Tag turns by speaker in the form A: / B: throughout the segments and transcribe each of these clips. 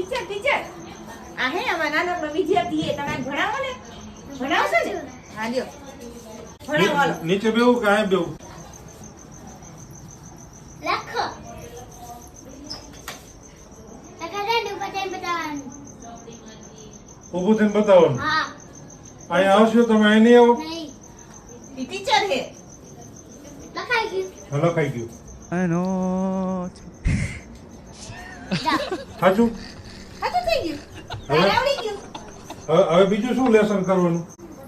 A: Teacher આ હે અમાર નાનકડો વિદ્યાર્થી હે તમે ભણાવો ને ભણાવશો ને હા લ્યો ભણાવો હાલો
B: નીચે બેવું કે આ બેવું
C: લખો લખાડે ઉપર ટાઈમ બતાવવાનું
B: ઊભું થઈને બતાવવાનું
C: હા
B: અહીંયા આવશો તમે અહીં નહીં આવો
C: નહીં
A: ઈ ટીચર હે
C: લખાઈ ગયું
B: હલો ખાઈ ગયું
D: I know.
C: જા
B: સાચું
A: હાચું થઈ ગયું
B: હવે?
A: આવડી ગયું
B: હવે બીજું શું લેસન કરવાનું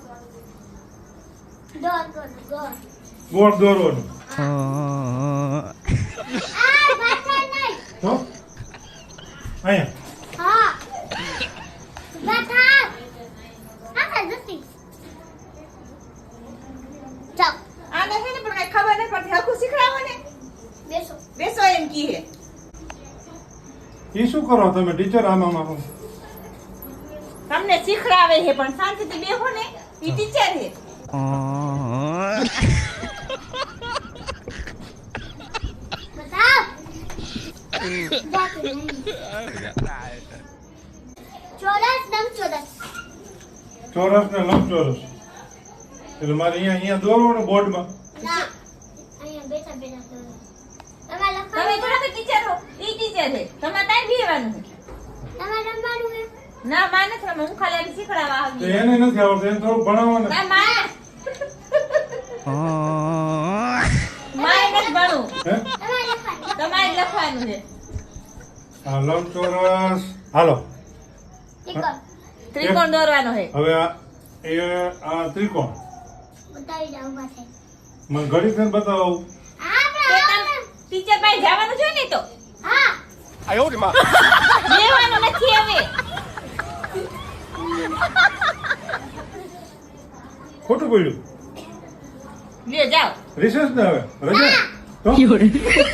C: દોર દોર
B: ગોળ દોરવાનું
C: આ ભાષા નહીં
B: તો અહીંયા
C: હા ભાષા આ નથી ચાલ
A: આને હે ને પણ કઈ ખબર ન પડતી હરખું શીખડાવો ને
C: બેસો
A: બેસો એમ કી હે
B: એ શું કરો તમે ટીચર આમાં
A: તમને શીખડાવે હે પણ શાંતિથી બેહો ને ઈ ટીચર હે
C: બતાવ જાકે નહીં ચોરસ લંબચોરસ
B: ચોરસ ને લંબચોરસ એટલે મારે અહીંયા દોરવાનું બોર્ડમાં
C: ના અહીંયા બેઠા બેઠા દોરો તમારે
A: તમે
C: લખવાનું
A: થોડા ટીચર હો ઈ ટીચર હે તમારે ત્યાં બેહવાનું હે
C: તમારે રમવાનું હે
A: ના માં નથી રમવું, હું ખાલી આને શીખડાવવા
B: તો
A: આવી
B: એને નથી આવડતું એને થોડું ભણાવવાનું
A: ના માં મારે નથી ભણવું
B: હે
C: તમારે લખવાનું
A: તમારે જ લખવાનું છે
B: હા લંબચોરસ હાલો
C: ઠીક કર
A: ત્રિકોણ દોરવાનો છે
B: હવે આ ત્રિકોણ
C: બતાવી દઉં ઉભા થઈ
B: મને ઘડી થઈને બતાવો
A: ટીચર પાસે જવાનું છે ને તો
C: હા
A: બેહવાનું નથી હવે
B: ખોટું પડ્યું
A: લ્યો જાઓ
B: રિસેસ ને હવે રજા તો
A: બેહો એ.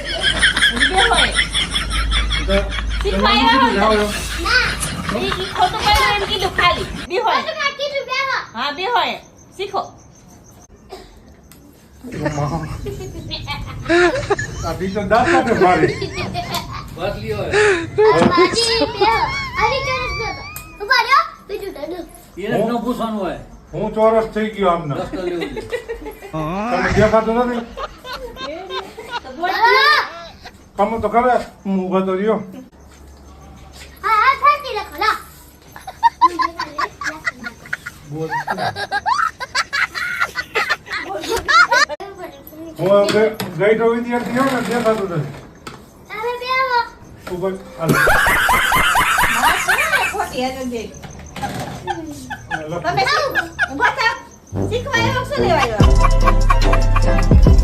B: તો
A: શીખવા
B: તમે
A: આવ્યા
B: જાઓ
A: હોય
B: એમ.
C: ના
A: ઈ ખોટું પડ્યું એમ કીધું ખાલી બેહો એ.
C: તમે કીધું બેહો
A: હા બેહો એ. શીખો
B: આ ટીચર દાંત કાઢે મારી
C: બાજી બેહો આવી ચોરસ બેહો ઉભા રહ્યો બીજું ડડું
B: હું ચોરસ થઈ ગયો આમના તમે દેખાતું નથી
A: તો બોલ
B: કામ તો કરે હું ઊભો તો રહ્યો
C: હા હા ફાટી લખો લા
B: બોલ. હું ગઈ તો વિદ્યાર્થી હોઉં ને દેખાતું નથી
C: તમે બેહો
B: ઉપર હાલો.
A: હા શું ને ખોટી હેરાન છે
B: લખો.
A: તમે શું ઊભા થાવ શીખવા આવ્યો શું લેવા આવ્યો